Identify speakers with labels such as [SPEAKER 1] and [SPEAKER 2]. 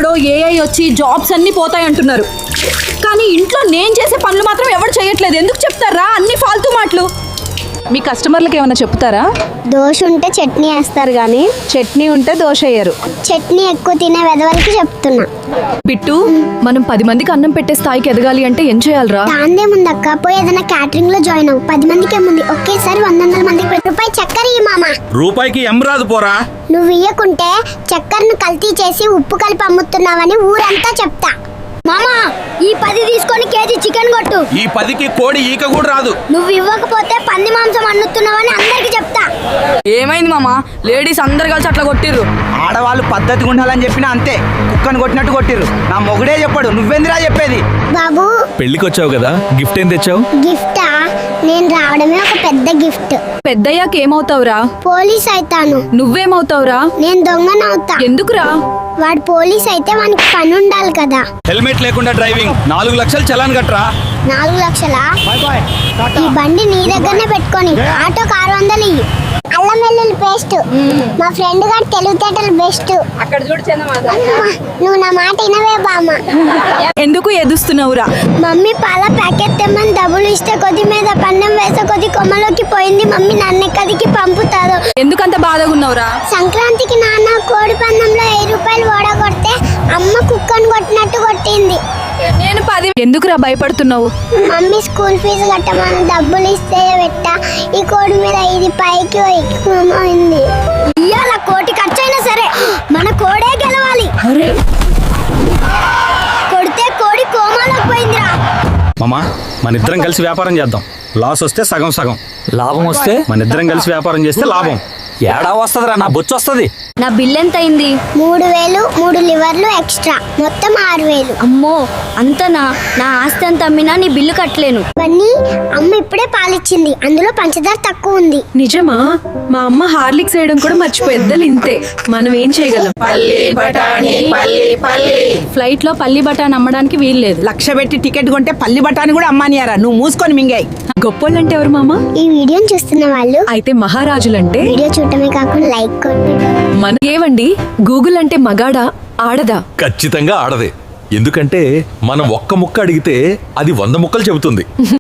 [SPEAKER 1] ఎవడో ఏఐ వచ్చి జాబ్స్ అన్నీ పోతాయి అంటున్నారు. కానీ ఇంట్లో నేను చేసే పనులు మాత్రం ఎవరు చేయట్లేదు. ఎందుకు చెప్తారా అన్ని ఫాల్తూ మాటలు? మీ కస్టమర్లకు ఏమైనా చెప్తారా?
[SPEAKER 2] దోశ ఉంటే చట్నీ వేస్తారు కానీ
[SPEAKER 1] చట్నీ ఉంటే దోశ వేయరు.
[SPEAKER 2] చట్నీ ఎక్కువ తినే వెదవలకి చెప్తున్నా.
[SPEAKER 1] బిట్టు, మనం 10 మందికి అన్నం పెట్టే స్థాయికి ఎదగాలి అంటే ఏం చేయాలరా?
[SPEAKER 2] దాందేముందక్క, పోయి ఏదైనా క్యాటరింగ్ లో జాయిన్ అవ్వు. 10 మందికి ఏముంది, ఒకేసారి 100 మందికి రూపాయి చక్కెర ఇయ్యి మామ.
[SPEAKER 3] రూపాయికి రాదు పోరా.
[SPEAKER 2] నువ్వు ఇయ్యకుంటే చక్కెరను కల్తీ చేసి ఉప్పు కలిపి అమ్ముతున్నావని ఊరంతా చెప్తా. మామా, ఈ 10 తీసుకొని కేజీ చికెన్ కొట్టు.
[SPEAKER 3] ఈ 10కి కోడి ఈక కూడా రాదు.
[SPEAKER 2] నువ్వు ఇవ్వకపోతే పంది మాంసం అన్నుతున్నావని అందరికి చెప్తా.
[SPEAKER 4] ఏమైంది మామా? లేడీస్ అందరు కలిసి అట్లా కొట్టిర్రు.
[SPEAKER 5] ఆడవాళ్ళు పద్ధతిగా ఉండాలని చెప్పినా అంతే, కుక్కను కొట్టినట్టు కొట్టిర్రు. నా మొగుడే చెప్పాడు, నువ్వెందురా చెప్పేది?
[SPEAKER 2] బాబు,
[SPEAKER 3] పెళ్లికి వచ్చావు కదా, గిఫ్ట్ ఏం తెచ్చావు?
[SPEAKER 2] గిఫ్టా? నేను రావడమే ఒక పెద్ద గిఫ్ట్.
[SPEAKER 1] పెద్దయ్యాక ఏమవుతావురా?
[SPEAKER 2] పోలీస్ అయితాను.
[SPEAKER 1] నువ్వేమవుతావురా?
[SPEAKER 2] నేను దొంగనవుతా.
[SPEAKER 1] ఎందుకురా?
[SPEAKER 2] వాడు పోలీస్ అయితే వానికి పని ఉండాలి కదా.
[SPEAKER 3] హెల్మెట్ లేకుండా డ్రైవింగ్ 4 లక్షలు చలాన్ కట్టరా.
[SPEAKER 2] 4 లక్షలా? ఈ బండి నీ దగ్గరనే పెట్టుకొని ఆటోకి 600 ఇయ్యి. అల్లం వెల్లుల్లి పేస్ట్. మా ఫ్రెండ్ గారు తెలివితేటలు బెస్ట్.
[SPEAKER 4] అక్కడ చూడు చందమామ.
[SPEAKER 2] నువ్వు నా మాట వినవే బామ్మ.
[SPEAKER 1] ఎందుకు ఎదుస్తున్నావురా?
[SPEAKER 2] మమ్మీ పాల ప్యాకెట్ తెమ్మని డబ్బులు ఇస్తే కొద్ది మీద పన్నం వేసే కొద్ది కొమ్మలోకి పోయింది. మమ్మీ నన్ను ఎక్కడికి పంపుతారు.
[SPEAKER 1] ఎందుకంత బాధగా ఉన్నావురా?
[SPEAKER 2] సంక్రాంతికి నాన్న కోడి పందంలో 1000 రూపాయలు ఓడగొడితే అమ్మ కుక్కను కొట్టినట్టు కొట్టింది.
[SPEAKER 1] నేను 10. ఎందుకురా భయపడుతున్నావు?
[SPEAKER 2] మమ్మీ స్కూల్ ఫీజు కట్టమని డబ్బులు ఇస్తే పెట్టా. ఈ కోడి మీద ఇది పైకి ఎక్కువైంది. ఇవాళ కోటి ఖర్చైనా సరే మన కోడే గెలవాలి. కొడితే కోడి కోమాలోకి పోయిందిరా.
[SPEAKER 3] మామా, మన ఇద్దరం కలిసి వ్యాపారం చేద్దాం. లాస్ వస్తే సగం సగం,
[SPEAKER 6] లాభం వస్తే
[SPEAKER 3] మన ఇద్దరం కలిసి వ్యాపారం చేస్తే లాభం.
[SPEAKER 6] ఏడా వస్తుందిరా? నా బొచ్చు వస్తుంది.
[SPEAKER 1] నా బిల్ ఎంత అయింది?
[SPEAKER 2] 3000, 3 లివర్లు ఎక్స్ట్రా, మొత్తం 6000.
[SPEAKER 1] అమ్మో, అంతనా? నా ఆస్తి అంత అమ్మినా నీ బిల్లు కట్టలేను.
[SPEAKER 2] ఇవన్నీ అమ్మ ఇప్పుడే పాలిచ్చింది, అందులో పంచదార తక్కువ ఉంది.
[SPEAKER 7] నిజమా? మా అమ్మ హార్లిక్స్ వేయడం కూడా మర్చిపోయిద్దలు. ఇంతే, మనం ఏం చేయగలం?
[SPEAKER 1] ఫ్లైట్ లో పల్లి బఠానీ అమ్మడానికి వీల్లేదు.
[SPEAKER 4] 1,00,000 పెట్టి టికెట్ కొంటే పల్లి బఠానీ కూడా అమ్మానియారా? నువ్వు మూసుకొని మింగాయి.
[SPEAKER 7] గొప్పోళ్ళంటే ఎవరు మామ?
[SPEAKER 2] ఈ వీడియోని చూస్తున్న వాళ్ళు
[SPEAKER 7] అయితే మహారాజులంటే
[SPEAKER 2] వీడియో చూడటమే కాకుండా లైక్ కొట్టి.
[SPEAKER 7] ఏవండి, గూగుల్ అంటే మగాడా ఆడదా?
[SPEAKER 8] ఖచ్చితంగా ఆడదే. ఎందుకంటే మనం ఒక్క ముక్క అడిగితే అది 100 ముక్కలు చెబుతుంది.